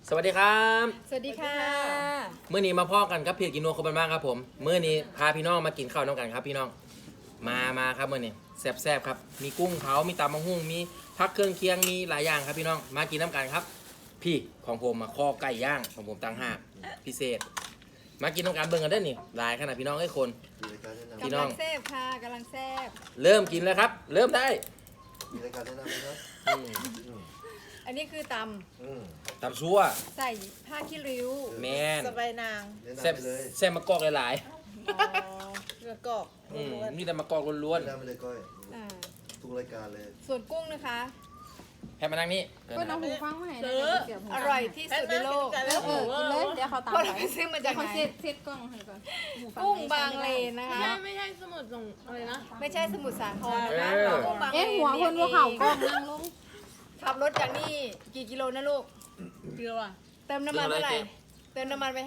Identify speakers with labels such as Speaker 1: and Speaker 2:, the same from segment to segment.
Speaker 1: สวัสดีครับ
Speaker 2: สวัสดีค่ะ
Speaker 1: เมื่อนี้มาพ่อกันครับเพจกินนัวคนบ้านครับผมเมื่อนี้พาพี่น้องมากินข้าวน้องกันครับพี่น้องมาครับเมื่อนี้แซ่บๆครับมีกุ้งเผามีตำมะฮุ่งมีผักเครื่องเคียงมีหลายอย่างครับพี่น้องมากินน้ำกันครับ พี่ของผมมาคอไก่ย่างของผมต่างหากพิเศษ มากินน้ำกันเบิ่งกันได้อนี่หลายขนาดพี่น้องไอ้คน พี่น้
Speaker 2: กำ
Speaker 1: อ
Speaker 2: ลั
Speaker 1: ง
Speaker 2: งแซ่บค่ะกำลังแซ่บ
Speaker 1: เริ่มกินแล้วครับ เริ่มได้
Speaker 3: มีรายการแนะนำไหมครับ
Speaker 1: อืม
Speaker 2: อันนี้คือต
Speaker 1: ตำชั่ว
Speaker 2: ำใส่ผ้าขี้ริ้ว
Speaker 1: แมน
Speaker 4: สบายนาง
Speaker 3: แนะนำ
Speaker 1: แซ่บ
Speaker 3: ไปเลย
Speaker 1: แซ่บมะกอกหลาย
Speaker 4: เรือกอก
Speaker 1: ๆมีแต่มะกอกล้วน
Speaker 3: แนะนำไปเลยก้อย
Speaker 2: อ่า
Speaker 3: ทุกรายการเลย
Speaker 2: ส่วนกุ้งนะคะ
Speaker 1: ๆให้มานั่งนี่เกิน
Speaker 5: ก็
Speaker 1: นะ
Speaker 5: น้องหูฟังมาให้
Speaker 4: ซื้อ
Speaker 5: เดี๋ยวผม
Speaker 2: อร่อยที่สุดในโลก
Speaker 4: แล้
Speaker 5: เออกินเลยเดี๋ยวเขาตาม
Speaker 2: เพราะ
Speaker 5: ไป
Speaker 2: เราไปซื้อมาจากไห
Speaker 5: เขา
Speaker 2: น
Speaker 5: เซ็ตกล้องให้ก่อนหูฟั
Speaker 2: กุ้ง
Speaker 5: ให้
Speaker 2: บางเลนนะคะ
Speaker 4: ไม่ใช่สมุดส่งอะไรนะ
Speaker 2: ไม่ใช่สมุทรสาครนะคะกุ้งบางเล
Speaker 5: เอ๊ะ
Speaker 2: น
Speaker 5: หัวคนว่าเขากล้องนั่งลง
Speaker 2: ขับรถจากนี่กี่กิโลนะลูก
Speaker 4: เรือว่ะ
Speaker 2: เติมน้ำมันเท่าไหร่เติมน้ำมันไป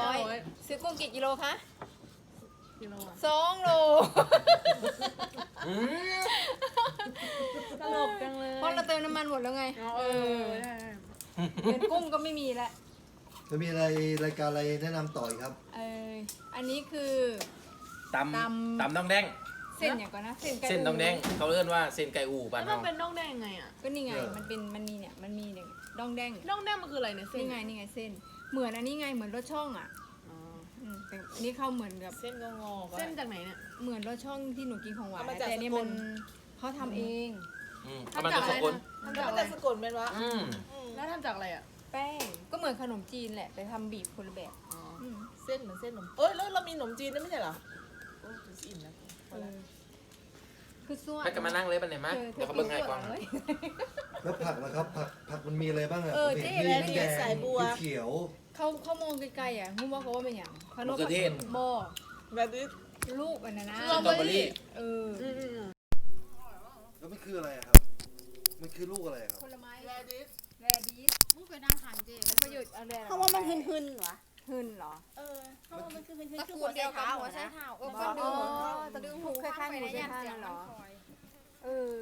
Speaker 2: 500ซื้อกุ้งกี่กิโลคะ
Speaker 4: กิโลอ่ะ
Speaker 2: 2 โล
Speaker 1: อืม
Speaker 4: ตลกจังเลย
Speaker 2: เพราะเราเติมน้ำมันหมดแล้วไง
Speaker 4: เออใช่
Speaker 2: เป็นกุ้งก็ไม่มีแล้ว
Speaker 3: แล้วมีอะไรรายการอะไรแนะนำต่ออีกครับ
Speaker 2: อันนี้คือ
Speaker 1: ต
Speaker 2: ตำ
Speaker 1: ำตำน้องแดง
Speaker 2: เส้นอย่างก่อนนะเส้นไก่
Speaker 1: เส้นน้องแดงเขาเรียกว่าเส้นไก่อู่บ้าน
Speaker 4: แล้วมั
Speaker 1: เรา
Speaker 4: นเป็นน่องแดงไงอ่ะ
Speaker 2: ก็นี่ไงมันมีเนี่ยดองแดง
Speaker 4: น่องแดงมันคืออะไรเนี่ยเส้น
Speaker 2: นี่ไงเส้นเหมือนอันนี้ไงเหมือนรถช่องอ่ะ
Speaker 4: อ๋อ
Speaker 2: แต่อันนี้เข้าเหมือนกับ
Speaker 4: เส้นงอๆเส้นจากไหนเนี่ย
Speaker 2: เหมือนรถช่องที่หนูกินของหวาน
Speaker 4: เอามาจาก
Speaker 2: แต่อันนี่
Speaker 4: สกล
Speaker 2: มันเขาทำเอง
Speaker 1: เอามาจากสกล
Speaker 2: ทำ
Speaker 4: แล้
Speaker 2: จาว ก
Speaker 4: มัน
Speaker 2: อะไร
Speaker 4: จะสะกดเป็นวะ
Speaker 1: อืม
Speaker 4: แล้วทำจากอะไรอ่ะ
Speaker 2: แป้งก็เหมือนขนมจีนแหละแต่ทำบีบคนละแบบ
Speaker 4: อ๋อ
Speaker 2: อืม
Speaker 4: เส้นเหมือนเส้นขนมเอ้ยแล้วเรามีขนมจีนด้วยไม่ใช่เหรอโอ้ยจะอิ่มแล้ว
Speaker 2: เออคือส่วน
Speaker 1: ให้กันมานั่งเลยปันไหนมาเดี๋ยวเขาเบิ่งให้ก่อน
Speaker 2: เลย
Speaker 3: แล้วผักนะครับผักมันมีอะไรบ้างอะ
Speaker 2: เจ๊อะไร
Speaker 3: มี
Speaker 2: นี่
Speaker 3: แดง
Speaker 4: สายบัว
Speaker 3: มีเขียว
Speaker 2: เขามองไกลๆอ่ะงูบอกเขาว่าเป็นอย่างพะโล้
Speaker 1: มะเขือเทศ
Speaker 2: โบ
Speaker 4: แบบนี้
Speaker 2: ลูกอันนั้นนะ
Speaker 1: สตรอเบอรี่
Speaker 2: เออ
Speaker 3: แล้วมันคืออะไรอะครับ มันคือลูกอะไรอะครับ
Speaker 2: ผลไม้
Speaker 4: แรดิส
Speaker 2: แรดีส
Speaker 5: มึงไปนั่งขันเจ๊
Speaker 2: ประโยชน์อะไร
Speaker 5: เขาว่ามันหึนๆหรอ
Speaker 2: หืนเหรอ
Speaker 5: เออเขาว่ามันคือหึน
Speaker 2: ตระ
Speaker 5: ๆคือ
Speaker 2: กู
Speaker 5: หั
Speaker 2: ล
Speaker 5: ว
Speaker 2: เดี
Speaker 5: ใส่
Speaker 2: ยวกัน
Speaker 5: เท้า
Speaker 2: หั
Speaker 5: หั
Speaker 2: ว
Speaker 5: ว
Speaker 2: ใส่
Speaker 5: ใส่
Speaker 2: เท้า
Speaker 5: เท้า
Speaker 2: เออก็ดึงตะดึงหูคล้ายๆหมูใส่เท้านั่นเหรอเออ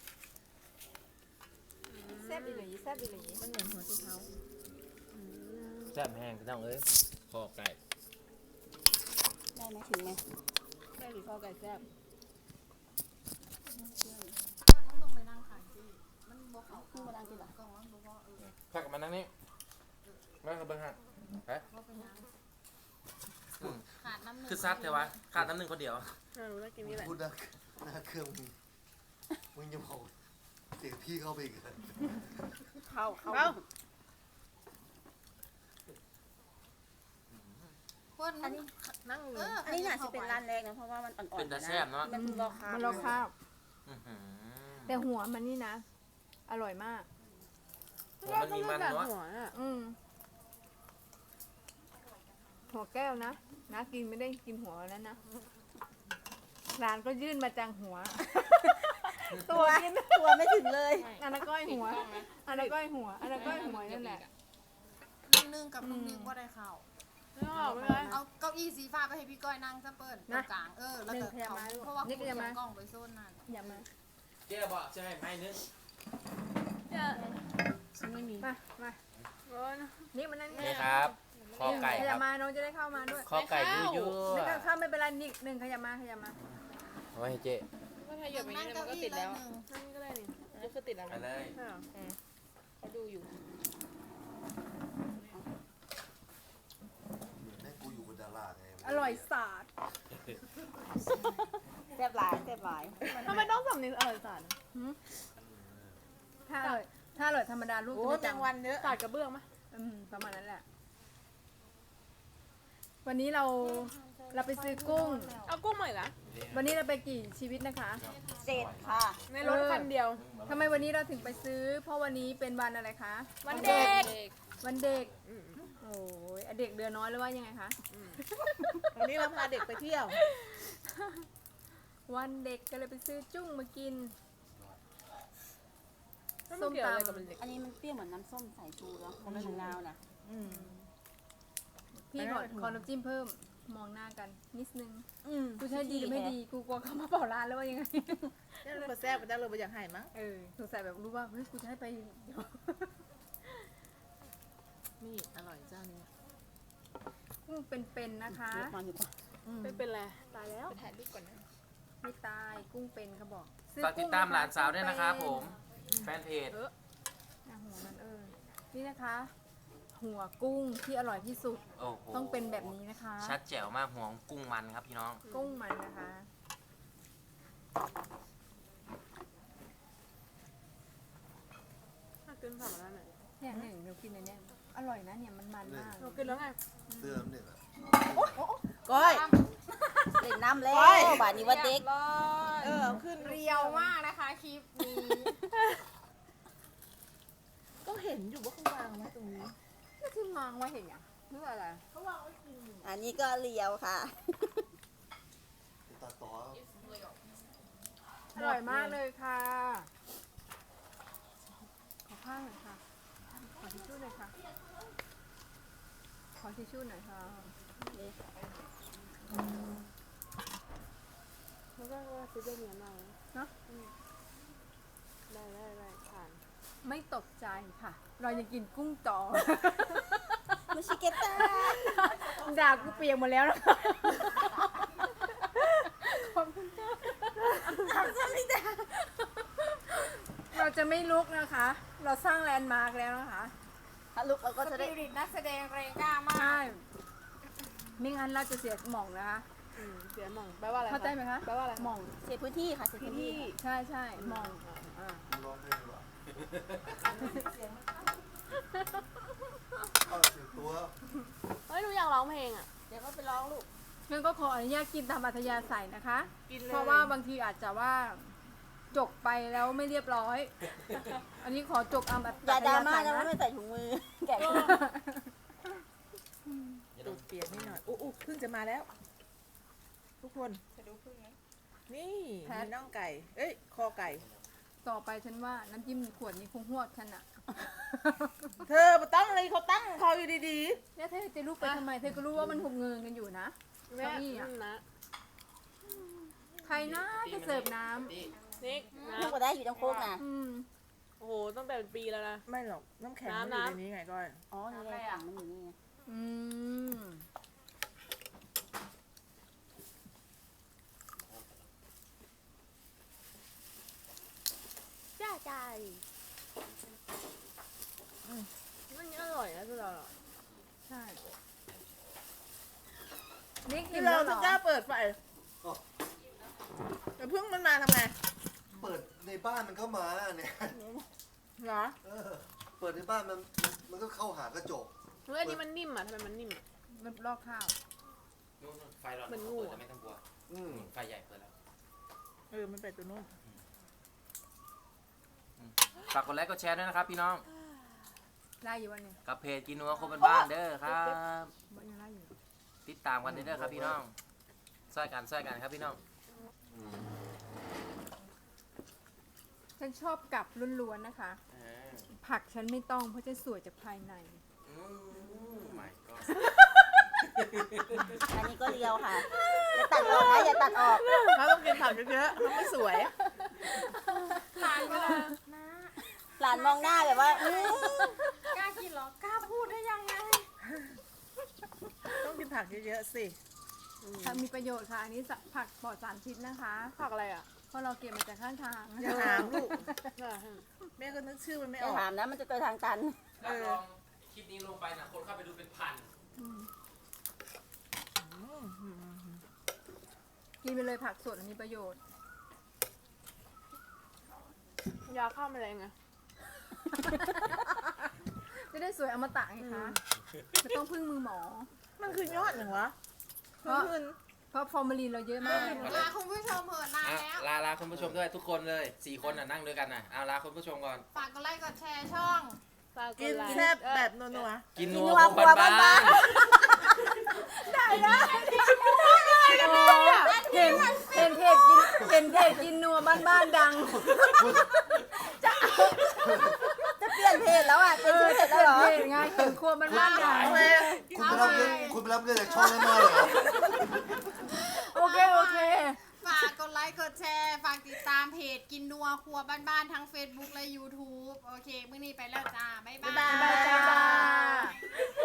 Speaker 2: แซ่บอีหลีแซ่บอีหลี
Speaker 4: มันเหมือนหัวไชเท้า
Speaker 1: แซ่บแห้งพี่น้องเอ้ยคอไก่
Speaker 5: ได้ไหมถึงไหม
Speaker 4: ได้หรือข้าวไก่แซ่บ
Speaker 5: ต้องไปนั่งขันเจ๊มันบอกเขาคือมาดังกินหรอ
Speaker 1: พักกันมานั่งนี่มาเขาเบิ่งให้ฮะ
Speaker 5: ขาดน้ำหนึ่ง
Speaker 1: คือซัดแต่ว่าขาดน้ำหนึ่งคนเดียว
Speaker 4: รู้แล้วกินนี่แหละ
Speaker 3: พูดหน้าเครื่องมึงจะบอกเสียงพี่เข้าไปอีกเลย
Speaker 5: เข้า
Speaker 4: เอ้า
Speaker 5: คนอันนี้
Speaker 4: นั่งเล
Speaker 5: เอย ออันนี้น่าจะเป็นร้านแรกนะเพราะว่ามันอ่อนๆ
Speaker 1: เป็นตาแซ่บเนาะ
Speaker 5: มันรอคา
Speaker 2: มันรอข้าว
Speaker 1: อื้อหือ
Speaker 2: แต่หัวมันนี่นะ อร่อยมาก
Speaker 1: หัวมันมีมันเนาะ
Speaker 4: หัวอ่ะ
Speaker 2: หัวแก้วนะนะกินไม่ได้กินหัวแล้วนะร้านก็ยื่นมาจังหัว ตัวกิน
Speaker 5: ตัวไม่ถึงเลย
Speaker 2: อันนั้นก้อยหัวอันนั้นก้อยหัวอันนั้นก้อยหัวนั่นแหละ
Speaker 6: ลุงนึงกับลุงนึงว่าได้เข้า
Speaker 4: ไม่เอาไม่ได้
Speaker 6: เอาเก้าอี้สีฟ้าไปให้พี่ก้อยนั่งซะเปิ้ลตรงกลางแล้วก็เขาเพราะว่าคุณเอากล้องไปโซนนั่น
Speaker 2: อย่ามา
Speaker 1: เจ๊บอกจะให้ไม้นึง
Speaker 4: ฉันไม่มี
Speaker 2: มา
Speaker 4: โอ้ย
Speaker 2: นี่มันนั่ง
Speaker 1: นี่ครับคอไก่
Speaker 2: ข
Speaker 1: ค
Speaker 2: ยั
Speaker 1: รั
Speaker 2: บบ มาน้องจะได้เข้ามาด้วย
Speaker 1: คอไก่ยั่ว
Speaker 2: ไม่ต้องเข้าไม่เป็นไรนิดหนึ่งขยับมา
Speaker 1: ๆเอาไว้ให้เจ๊
Speaker 4: ก็ถ้าหยดอย่างนี้มันก็ติดแล้วนั่นก็ได้นี่ก็คือติดแล้ว
Speaker 1: ไป
Speaker 4: นะ
Speaker 1: เลย
Speaker 4: เขาดูอยู่
Speaker 3: แม่งกูอยู่กับดาราไง
Speaker 2: อร่อยสาด
Speaker 5: แซ่บหลายแซ่บหลาย
Speaker 4: ทำไมต้องสำเนียงอร่อยสัน
Speaker 2: ถ้าอร่อยธรรมดาลูก
Speaker 4: โอ้
Speaker 2: จะไม่
Speaker 4: แม
Speaker 2: จั
Speaker 4: ง
Speaker 2: ง
Speaker 4: วันเยอะสาดกระเบื้องไหม
Speaker 2: ประมาณนั้นแหละ วันนี้เราไปซื้อกุ้ง
Speaker 4: เอากุ้งใหม่ละ
Speaker 2: วันนี้เราไปกี่ชีวิตนะคะ
Speaker 5: เจ็ดค่ะ
Speaker 4: ในรถคันเดียว
Speaker 2: ทำไมวันนี้เราถึงไปซื้อ เพราะวันนี้เป็นวันอะไรคะ
Speaker 4: วันเด็ก
Speaker 2: วันเด็ก โอ้ยเด็กเดือนน้อยหรือว่ายังไงคะ
Speaker 4: วันนี้เราพาเด็กไปเที่ยว
Speaker 2: วันเด็กก็เลยไปซื้อจุ้งมากิน
Speaker 4: ส้มตำอะไรกับมันเด็ก
Speaker 5: อันนี้มันเปรี้ยวเหมือนน้ำส้มสายชูแล้วเขาไม่ถึงนาวนะ
Speaker 2: พี่ขอน้ำจิ้มเพิ่ม มองหน้ากันนิดนึง
Speaker 4: อืม
Speaker 2: กูใช้ดีหรือไม่ดี กูกลัวเขามาเป่าร้านแล้วว่ายังไง
Speaker 4: นี่เราแซ่บไปได้เลยไปอยากหายมั้ง
Speaker 2: สงสัยแบบรู้ว่า เฮ้ย กูจะให้ไปเดี๋ยว
Speaker 4: นี่
Speaker 2: กุ้งเป็นๆนะคะ
Speaker 5: ไม่เป็นไรตายแล้ว
Speaker 2: ถ่ายรูปก่อนนะไม่ตายกุ้งเป็นเขาบอก
Speaker 1: ฝากติดตามหลานสาวด้วยนะครับผม แฟนเพจ
Speaker 2: หัวมันนี่นะคะ หัวกุ้งที่อร่อยที่สุด
Speaker 1: โอ้โห
Speaker 2: ต้องเป็นแบบนี้นะคะ
Speaker 1: ชัดแจ๋วมากห่วงกุ้งมันครับพี่น้อง
Speaker 2: กุ้งมันนะคะ
Speaker 5: ถ้ากินผักแล้วเนี่ย
Speaker 2: เนี่ยหนึ่งเรากินในเนี้ยอร่อยนะเนี่ยมันมาก
Speaker 5: เรากินแล้วไง
Speaker 3: เสื้อมันเนี่ยอะ
Speaker 4: ก้อย
Speaker 6: เล่นน้ำแล้วบาดนี้ว่าเด็ก
Speaker 4: เอาขึ้น
Speaker 2: เรียวมากนะคะคลิปนี้
Speaker 4: ก็เห็นอยู่ว่าเขาวางไว้ตรงนี้
Speaker 2: ก็ที่มองไว้เห็นอ่ะหรืออะไร
Speaker 6: อันนี้ก็เลียวค่ะ
Speaker 3: ตาต่อ
Speaker 2: อร่อยมากเลยค่ะ ขอข้าวหน่อยค่ะ ขอทิชชู่หน่อยค่ะ ขอทิชชู่หน่อยค่ะ
Speaker 5: แล้วก็ซื้อเนื้อมา
Speaker 2: เนอะ
Speaker 5: ได้ผ่าน
Speaker 2: ไม่ตกใจค่ะ เรายังกินกุ้งต่อ
Speaker 6: มุชิเกตา
Speaker 2: ด่ากูเปียกหมดแล้วนะขอบคุณค่ะเราจะไม่ลุกนะคะ เราสร้างแลนด์มาร์กแล้วนะคะ
Speaker 6: ถ้าลุกเราก็จะได้
Speaker 2: สปิริตนักแสดงแรงกล้ามากใช่ไม่งั้นเราจะเสียหม่องนะคะ
Speaker 5: เสียหม่องแปลว่าอะไร
Speaker 2: เข้าใจไหมคะ
Speaker 5: แปลว่าอะไร
Speaker 2: หม่อง
Speaker 6: เสียพื้นที่ค่ะเสียพื้นที่
Speaker 2: ใช่ใช่หม่องอ่า
Speaker 3: ร้องเพลงดีกว่าเอาสิตัว
Speaker 5: เฮ้ยหนูอยากร้องเพลงอ่ะ
Speaker 6: เดี๋ยวก็ไปร้องลูก
Speaker 2: งั้นก็ขออนุญาตกินตามอัธยาศัยนะคะ
Speaker 5: กินเลย
Speaker 2: เพราะว่าบางทีอาจจะว่าจกไปแล้วไม่เรียบร้อย อันนี้ขอจกอั
Speaker 6: อย่าย
Speaker 2: ธา
Speaker 6: ดราม่า
Speaker 2: ศัย
Speaker 6: นะว่า
Speaker 2: นะ
Speaker 6: ไม่ใส่ถุงมือ แกะ
Speaker 4: ตูดเปียกนิดหน่อยอู้พึ่งจะมาแล้ว ทุกคนจะดูพึ่งไหมนี่มีน่องไก่ เอ้ย คอไก่
Speaker 2: ต่อไปฉันว่าน้ำจิ้มขวดนี้คงหวดฉันอะ
Speaker 4: เธอมาตั้งอะไรเขาตั้งเขาอยู่ดี
Speaker 2: แล้วเธอจะลุกไปทำไม เธอก็รู้ว่ามันหุบเงินกันอยู่นะ
Speaker 5: แม่
Speaker 2: เก้าอี้อะ
Speaker 5: นะ
Speaker 2: ใครนะจะเสิร์ฟน้
Speaker 5: นิกนะ
Speaker 6: ลูกก็ได้อยู่ตรงโคกนะ
Speaker 2: ำ
Speaker 5: โอ้โหตั้งแต่เป็นปีแล้วนะ
Speaker 4: ๆ ไม่หรอก น้ำแข็งมันอยู่ในนี้ไงก้อย
Speaker 6: อ๋อ นี่ไงถังมันอยู่นี่ไง
Speaker 2: อืม
Speaker 5: จ้าใจมันอร่อยนะคือเรา
Speaker 2: ใช่นี่กิ
Speaker 4: ที่
Speaker 2: น
Speaker 4: เรา
Speaker 2: แล้วเหร
Speaker 4: จะ
Speaker 2: อก
Speaker 4: ล้าเปิดไฟแต่พึ่งมันมาทำไง
Speaker 3: เปิดในบ้านมันเข้ามาเนี่ย
Speaker 4: เหรอ
Speaker 3: เปิดในบ้านมันก็เข้าหากระจก
Speaker 5: เฮ้ยอันนี้มันนิ่มอ่ะทำไมมันนิ่มอ่ะ
Speaker 2: มันลอกข้าว
Speaker 1: นู่นไฟร้อน
Speaker 5: มันงู
Speaker 1: เปิดแต่ไม่ต้องกลัว
Speaker 3: อืม
Speaker 1: ไฟใหญ่เปิดแล้ว
Speaker 4: มันเป็ดตัวนู้น
Speaker 1: ฝากกดไลค์กดแชร์ด้วยนะครับพี่น้อง
Speaker 2: ได้อยู่วันนี้
Speaker 1: กับเพจกินนัวคนบ้านๆเด้อครับ
Speaker 2: มันยังได้อยู่
Speaker 1: ติดตามกันเด้อครับพี่น้องช่วยกันครับพี่น้อง
Speaker 2: ฉันชอบกับล้วนๆนะคะ ผักฉันไม่ต้องเพราะฉันสวยจากภายใน
Speaker 1: ไม่ก็
Speaker 6: อันนี้ก็เลียวค่ะ อย่าตัดออกนะอย่าตัดออก
Speaker 4: เขาต้องกินผักเยอะๆเขาไม่สวย
Speaker 2: ตายไปเลย
Speaker 6: หลานมองหน้าแบบว่า
Speaker 2: กล้ากินเหรอ กล้าพูดได้ยังไง
Speaker 4: ต้องกินผักเยอะๆสิ
Speaker 2: มีประโยชน์ค่ะ อันนี้ผักปลอดสารพิษนะคะ
Speaker 5: ผักอะไรอ่ะ
Speaker 2: เพราะเราเก็บมาจากข้างทาง
Speaker 4: อย่าถามลูก แม่ก็นึกชื่อมันไม่
Speaker 6: อ
Speaker 4: ออก
Speaker 6: ย่าถามนะ มันจะเจอทางตัน
Speaker 1: รับรองคลิปนี้ลงไปนะคนเข้าไปดูเป็นพัน
Speaker 2: กินไปเลยผักสดมีประโยชน์
Speaker 5: ยาฆ่าแมลงอ่ะ
Speaker 2: จะได้สวยอมตะไงคะไม่ต้องพึ่งมือหมอ
Speaker 4: มันคือยอดอย่างวะ
Speaker 2: เพราะ
Speaker 4: ขึ้น
Speaker 2: เพราะฟอร์มาลีนเราเยอะมาก
Speaker 6: ลาคุณผู้ชมเถิดนานแล้ว
Speaker 1: ลาคุณผู้ชมด้วยทุกคนเลย4คนนั่งด้วยกันนะเอาลาคุณผู้ชมก่อน
Speaker 6: ฝากกดไลค์กดแชร์ช่อง
Speaker 5: ปลา
Speaker 4: กิน
Speaker 5: ไลค์
Speaker 4: แซ่บแบบนัว
Speaker 1: กิน
Speaker 6: กิ
Speaker 1: นั
Speaker 6: น
Speaker 1: ว
Speaker 6: นัว
Speaker 1: คน
Speaker 6: ครัว
Speaker 1: บ้า
Speaker 6: บ้าน น
Speaker 2: เห็นเพจกินนัวบ้านๆดัง
Speaker 6: ๆจะเปลี่ยนเพจแล้วอ่ะเป็นชื่อเพจแล้วเหรอ
Speaker 2: เพจไงเห็นครัวบ้านๆดัง
Speaker 3: คุณไปรับเงินจากช่องแน่ๆเลยเหรอ
Speaker 2: โอเค
Speaker 6: ฝากกดไลค์กดแชร์ ฝากติดตามเพจกินนัวครัวบ้านๆทั้ง Facebook และ YouTube โอเค มื้อนี้ไปแล้วจ้า บ๊ายบาย